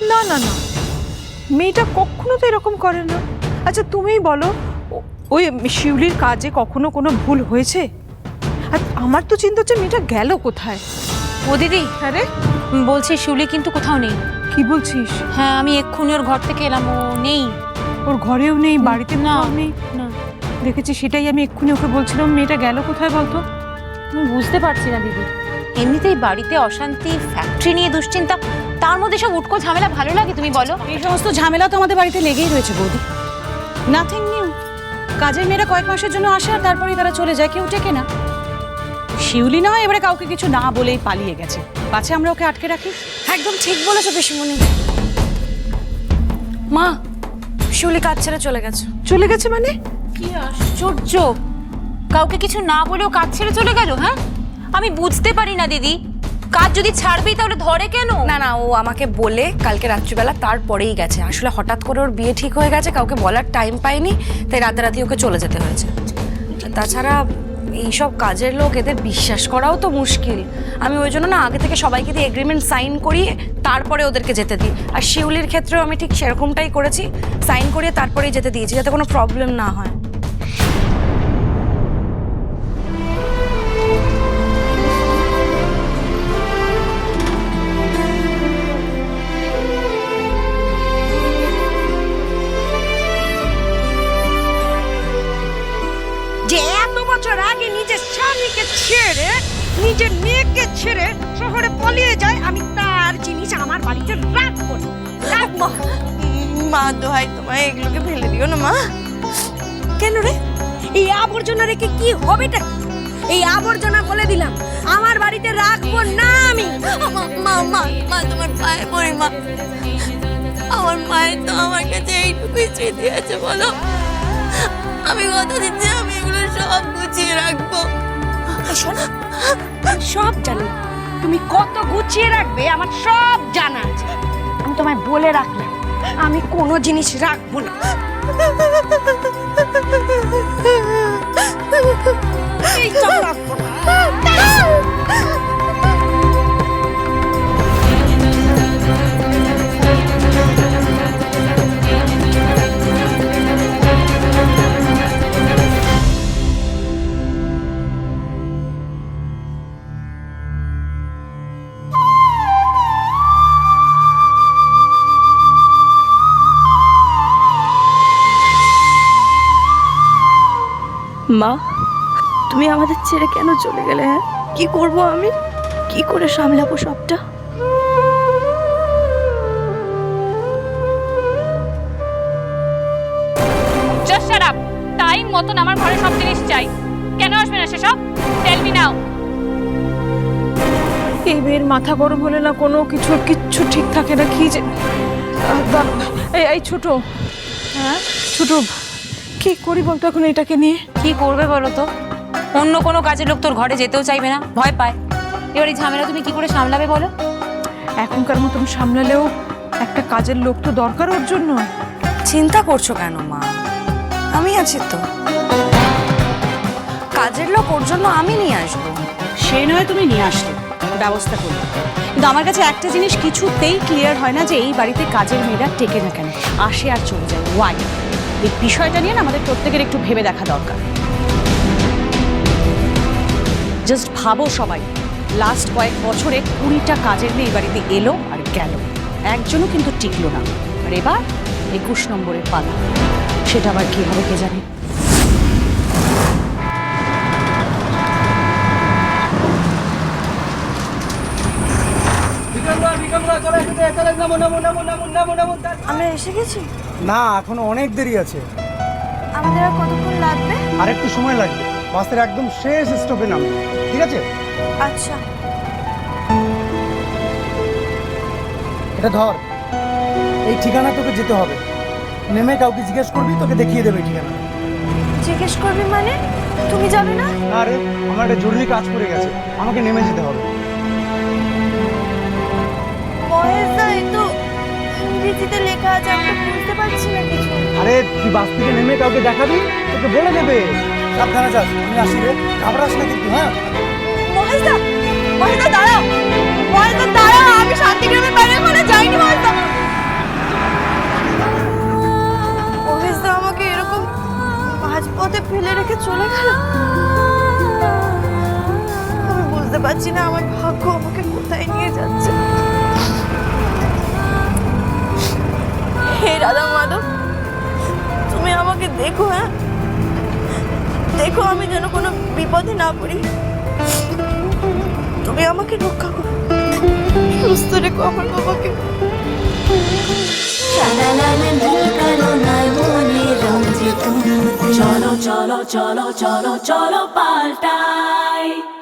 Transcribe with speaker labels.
Speaker 1: না না না, মেয়েটা কখনো তো এরকম করে না। আচ্ছা তুমিই বলো, ওই শিউলির কাজে কখনো কোনো ভুল হয়েছে? আর আমার তো চিন্তা হচ্ছে মেয়েটা গেল কোথায়।
Speaker 2: ও দিদি,
Speaker 1: আরে
Speaker 2: বলছি শিউলি কিন্তু কোথাও নেই।
Speaker 1: কি বলছিস?
Speaker 2: হ্যাঁ, আমি এক্ষুনি ওর ঘর থেকে এলাম, ও নেই।
Speaker 1: ওর ঘরেও নেই, বাড়িতে
Speaker 2: না
Speaker 1: নেই?
Speaker 2: না,
Speaker 1: দেখেছি, সেটাই আমি এক্ষুনি ওকে বলছিলাম, মেয়েটা গেল কোথায় বলতো।
Speaker 2: আমি বুঝতে পারছি না দিদি। এমনিতেই বাড়িতে অশান্তি, ফ্যাক্টরি নিয়ে দুশ্চিন্তা, তার মধ্যে সব উটকো ঝামেলা ভালো লাগে তুমি বলো?
Speaker 3: এই সমস্ত ঝামেলা তো আমাদের বাড়িতে লেগেই রয়েছে বৌদি। Nothing new. কাজের মেয়েরা কয়েক মাসের জন্য আসে আর তারপরেই তারা চলে যায়, কেউ টেকে না। শিউলি না হয় এবারে কাউকে কিছু না বলেই পালিয়ে গেছে, পাছে আমরা ওকে আটকে রাখি।
Speaker 4: একদম ঠিক বলেছো পিসিমণি। মা, শিউলি কাজ ছেড়ে চলে গেছে।
Speaker 1: চলে গেছে মানে?
Speaker 2: কি আশ্চর্য, কাউকে কিছু না বলেও কাজ ছেড়ে চলে গেল। হ্যাঁ, আমি বুঝতে পারি না দিদি, কাজ যদি ছাড়বেই তাহলে ধরে কেন?
Speaker 4: না না, ও আমাকে বলে কালকে রাত্রিবেলা তারপরেই গেছে। আসলে হঠাৎ করে ওর বিয়ে ঠিক হয়ে গেছে, কাউকে বলার টাইম পাইনি, তাই রাতারাতি ওকে চলে যেতে হয়েছে। তাছাড়া এইসব কাজের লোক, এদের বিশ্বাস করাও তো মুশকিল। আমি ওই জন্য না আগে থেকে সবাইকে দিয়ে এগ্রিমেন্ট সাইন করিয়ে তারপরে ওদেরকে যেতে দিই। আর শিউলির ক্ষেত্রেও আমি ঠিক সেরকমটাই করেছি, সাইন করিয়ে তারপরেই যেতে দিয়েছি, যাতে কোনো প্রবলেম না হয়।
Speaker 5: যে এত বছর আগে নিজের স্বামীকে ছেড়ে, নিজের মেয়েকে ছেড়ে শহরে পালিয়ে যায়, আমি তার জিনিস আমার বাড়িতে রাখবো না।
Speaker 4: মা দোহাই তোমায়, এগুলোকে ফেলে দিও না মা।
Speaker 5: কেন রে? এই আবর্জনা রেখে কি হবেটা? এই আবর্জনা বলে দিলাম আমার বাড়িতে রাখবো না আমি।
Speaker 4: মা মা মা, তোমার পায়ে পড়ি মা। আমার মায়ের তো আমার কাছে এইটুকুই স্মৃতি আছে, বলো। আমি কথা দিচ্ছি, আমি এগুলো সব গুছিয়ে রাখবো।
Speaker 5: শোনো, সব জানি তুমি কত গুছিয়ে রাখবে, আমার সব জানা আছে। আমি তোমায় বলে রাখলাম, আমি কোনো জিনিস রাখবো না। এইসব রাখবো না।
Speaker 4: মা, তুমি আমাদের ছেড়ে কেন চলে গেলে? হ্যাঁ, কি করব আমি? কি করে সামলাবো সবটা?
Speaker 2: Just shut up. টাইম মতন আমার ঘরে সব জিনিস চাই। কেন আসবে না সেসব? Tell me now.
Speaker 1: এই মেয়ের মাথা গরম হলে না কোনো কিচ্ছু ঠিক থাকে না। কি যে এই ছোট, হ্যাঁ ছোট, কি করি বলতো এখন এটাকে নিয়ে?
Speaker 2: কি করবে বলো তো? অন্য কোনো কাজের লোক তোর ঘরে যেতেও চাইবে না, ভয় পায়। এবার এই ঝামেলা তুমি কি করে সামলাবে বলো?
Speaker 1: এখনকার মতন সামলালেও একটা কাজের লোক তো দরকার ওর জন্য।
Speaker 4: চিন্তা করছো কেন মা? আমি আছি তো। কাজের লোক ওর জন্য আমি নিয়ে আসবো।
Speaker 3: সে নয় তুমি নিয়ে আসলে, ব্যবস্থা করবে। কিন্তু আমার কাছে একটা জিনিস কিছুতেই ক্লিয়ার হয় না, যে এই বাড়িতে কাজের মেয়েরা টেকে না কেন, আসে আর চলে যায়, ওয়াই? এই বিষয়টা নিয়ে না আমাদের প্রত্যেকের একটু ভেবে দেখা দরকার। জাস্ট ভাবো সবাই, লাস্ট কয়েক বছরে 20টা কাজের মেয়ে এই বাড়িতে এলো আর গেল, একজনও কিন্তু টিকলো না। আর এবার 21 নম্বরের পালা, সেটা আবার কি হবে কে জানে।
Speaker 4: আমরা এসে গেছি।
Speaker 6: না, এখনো অনেক দেরি আছে।
Speaker 4: আমাদের আর কতক্ষণ লাগবে?
Speaker 6: আর একটু সময় লাগবে, বাসের একদম শেষ স্টপে নামবে। ঠিক আছে?
Speaker 4: আচ্ছা।
Speaker 6: এটা ধর, এই ঠিকানা তোকে যেতে হবে। নেমে কাউকে জিজ্ঞেস করবি, তোকে দেখিয়ে দেবে ঠিকানা।
Speaker 4: জিজ্ঞেস করবি মানে? তুমি যাবে না?
Speaker 6: না রে, আমার একটা জরুরি কাজ পড়ে গেছে, আমাকে নেমে যেতে হবে।
Speaker 4: মহেশদা, এই তো ইংরেজিতে লেখা আছে, আমি বুঝতে পারছি না কিছু।
Speaker 6: আরে তুই বাস থেকে নেমে কাউকে দেখাবি, তোকে বলে দেবে। সাবধানে যাস, আমি আসি রে, ঘাবড়াস না কিন্তু। হ্যাঁ
Speaker 4: মহেশদা, মহেশদা দাঁড়াও, মহেশদা দাঁড়াও, আমি শান্তিগ্রামের বাইরে ওখানে যাইনি মহেশদা।
Speaker 5: পারছি না আমার ভাগ্য আমাকে কোথায় নিয়ে যাচ্ছে। হে রাধা মাধব, তুমি আমাকে দেখো, হ্যাঁ দেখো আমি যেন কোনো বিপদে না পড়ি। তুমি আমাকে রক্ষা করো, সুস্থ রেখো আমার বাবাকে।
Speaker 7: চলো চলো চলো চলো চলো পাল্টাই